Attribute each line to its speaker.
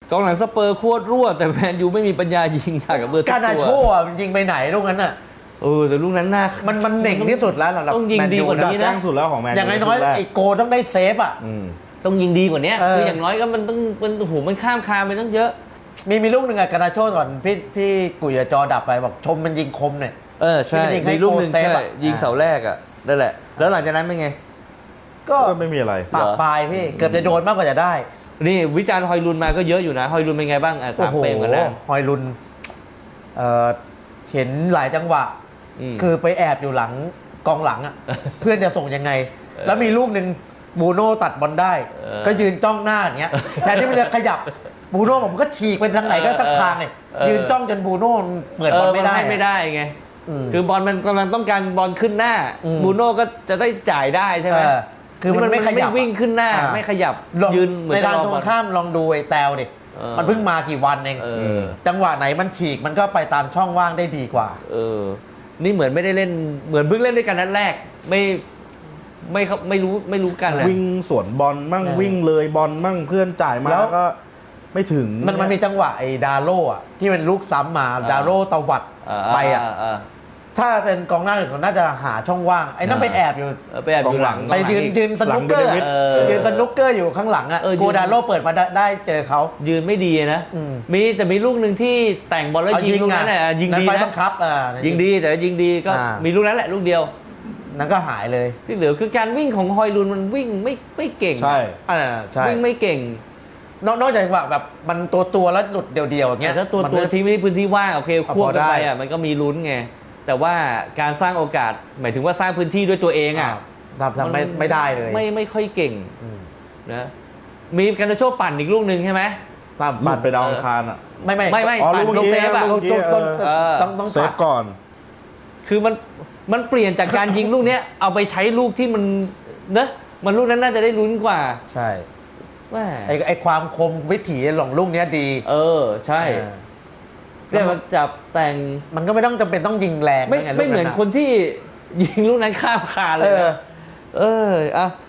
Speaker 1: กองหลังสเปอร์โคตรรั่วแต่แมนยูไม่มีปัญญายิงใส่กับเบอร์ทุกตัว
Speaker 2: การนาโชมันยิงไปไหนลูกนั้นน่ะ
Speaker 1: แต่ลูกนั้นน่า
Speaker 2: มันเหน่งที่สุดแล้วสำหรับ
Speaker 1: ต้องยิงดีกว่านี้
Speaker 3: แจ้
Speaker 1: นะ
Speaker 3: งสุดแล้วของแมนยู
Speaker 2: อย่างน้อยๆไอ้โกต้องได้เซฟอ่ะ
Speaker 1: ต้องยิงดีกว่านี้
Speaker 2: คือ
Speaker 1: อย่างน้อยก็มันต้องมันโอ้โหมันข้ามคานไปตั้งเยอะ
Speaker 2: มีลูกหนึ่งอะการนาโชก่อนพี่กุยจอดับไปบอกชมมันยิงคมเนี่ย
Speaker 1: ใช่มีลูกหนึ่งใช่ยิงเสาแรกอ่ะนั่นแหละแล้วหลังจากนั้นเป็นไง
Speaker 3: ก็ไม่มีอะไร
Speaker 2: ปากปลายพี่เกือบจะโดนมากกว่าจะได้
Speaker 1: นี่วิจารณ์ฮอยลุนมาก็เยอะอยู่นะฮอยลุนเป็นไงบ้างถามเปรมกันนะ
Speaker 2: ฮอยลุนเห็นหลายจังหวะคือไปแอบอยู่หลังกองหลังอ่ะเพื่อนจะส่งยังไงแล้วมีลูกหนึ่งบูโน่ตัดบอลได้ก็ยืนจ้องหน้าอย่างเงี้ยแทนที่มันจะขยับบูโน่ผมก็ฉีกไปทางไหนก็ทักทางเนี่ยยืนจ้องจนบูโน่เปิดบอลไม่
Speaker 1: ได้ไงคือบอลมันกำลังต้องการบอลขึ้นหน้าบูโน่ก็จะได้จ่ายได้ใช่ไหม
Speaker 2: คือมันไม่ขยับ
Speaker 1: วิ่งขึ้นหน้าไม่ขยับยืนเหมือน
Speaker 2: ในทางตรงข้ามลองดูไอ้แตวดิมันเพิ่งมากี่วันเองจังหวะไหนมันฉีกมันก็ไปตามช่องว่างได้ดีกว่า
Speaker 1: นี่เหมือนไม่ได้เล่นเหมือนเพิ่งเล่นด้วยกันนัดแรกไม่รู้กันเลย
Speaker 3: วิ่งสวนบอลมั่งวิ่งเลยบอลมั่งเพื่อนจ่ายมาแล้วก็ไม่ถึง
Speaker 2: มันมีจังหวะไอ้ดาโล่อะที่เป็นลูกซ้ำมาดาโล่ตวัดไปอะถ้าเป็นกองหน้าอื่นเขาน่าจะหาช่องว่างไอ้นั่นไปแอบอยู่
Speaker 1: หลัง
Speaker 2: ไปยืนสนุกเกอร์ยืนสนุกเกอร์อยู่ข้างหลังอะโกดาโล่เปิดมาได้เจอเขา
Speaker 1: ยืนไม่ดีนะมีลูกหนึ่งที่แต่งบอลแล้วยิงลูกนั้นแหละยิงดีนะยิงดีแต่ยิงดีก็มีลูกนั้นแหละลูกเดียว
Speaker 2: นั่นก็หายเลย
Speaker 1: ที่เหลือคือการวิ่งของฮอยลุนมันวิ่งไม่เก่ง
Speaker 3: ใช่
Speaker 1: วิ่งไม่เก่ง
Speaker 2: นอกจากว่าแบบมันตัวแล้วหลุดเดียวๆอย่างเงี้ย
Speaker 1: ถ้าตัวทิ้งไม่พื้นที่ว่างโอเคควบกันไปอ่ะมันก็มีลุ้นไงแต่ว่าการสร้างโอกาสหมายถึงว่าสร้างพื้นที่ด้วยตัวเองอ่ะ
Speaker 2: ทำไม่ได้เลย
Speaker 1: ไม่ค่อยเก่งนะมีการโชว์ปั่นอีกลูกหนึ่งใช่ไหม
Speaker 3: ปั่นไปดาวอังคารอ่ะ
Speaker 2: ไม่
Speaker 1: ปั่นลูกเซฟอ่ะ
Speaker 3: ต้องเซฟก่อน
Speaker 1: คือมันเปลี่ยนจากการยิงลูกนี้เอาไปใช้ลูกที่มันเนอะมันลูกนั้นน่าจะได้ลุ้นกว่า
Speaker 2: ใช่ไอความคมวิถีหลงลูกนี้ดี
Speaker 1: ใช่เรียกว่าจับแต่ง
Speaker 2: มันก็ไม่ต้องจำเป็นต้องยิงแรง
Speaker 1: ไม่เหมือนคนที่ยิงลูกนั้นข้ามคานเลยอ่ะ